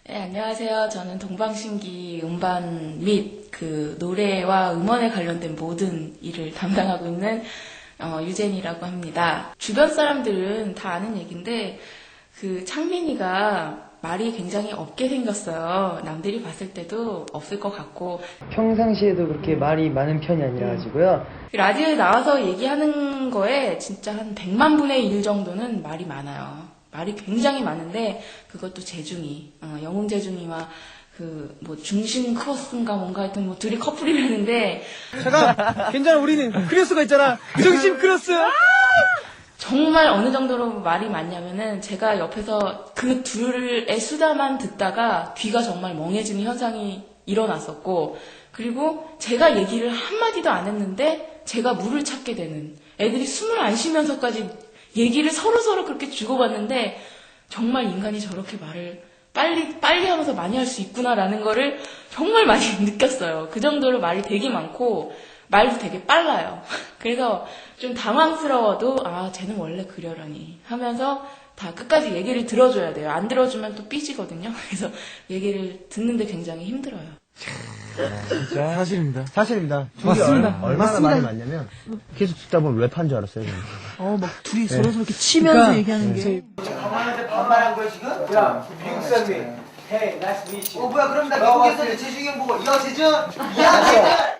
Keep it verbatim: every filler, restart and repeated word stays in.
네, 안녕하세요. 저는 동방신기 음반 및 그 노래와 음원에 관련된 모든 일을 담당하고 있는 어, 유젠이라고 합니다. 주변 사람들은 다 아는 얘기인데 그 창민이가 말이 굉장히 없게 생겼어요. 남들이 봤을 때도 없을 것 같고 평상시에도 그렇게 말이 많은 편이 아니라 가지고요. 라디오에 나와서 얘기하는 거에 진짜 한 백만 분의 일 정도는 말이 많아요. 말이 굉장히 많은데 그것도 재중이, 어, 영웅 재중이와 그 뭐 중심 크로스인가 뭔가 하여튼 뭐 둘이 커플이라는데 잠깐 괜찮아 우리는 크로스가 있잖아 중심 크로스. 정말 어느 정도로 말이 많냐면은 제가 옆에서 그 둘의 수다만 듣다가 귀가 정말 멍해지는 현상이 일어났었고 그리고 제가 얘기를 한마디도 안 했는데 제가 물을 찾게 되는 애들이 숨을 안 쉬면서까지 얘기를 서로서로 그렇게 주고받는데 정말 인간이 저렇게 말을 빨리 빨리 하면서 많이 할 수 있구나라는 거를 정말 많이 느꼈어요. 그 정도로 말이 되게 많고 말도 되게 빨라요. 그래서 좀 당황스러워도 아 쟤는 원래 그려라니 하면서 다 끝까지 얘기를 들어줘야 돼요. 안 들어주면 또 삐지거든요. 그래서 얘기를 듣는데 굉장히 힘들어요. 진짜 사실입니다. 사실입니다. 맞습니다. 얼, 얼마나 많이 맞냐면 계속 듣다 보면 랩한 줄 알았어요. 저는. 어, 막 둘이 서로 서로 이렇게 치면서 얘기하는 게. 강만한테 반말한 거야 지금? 야 미국 사람이 헤이 나이스 미치 어 뭐야 그럼 나 미국에서 재중이 형 보고 야 재중 야 재중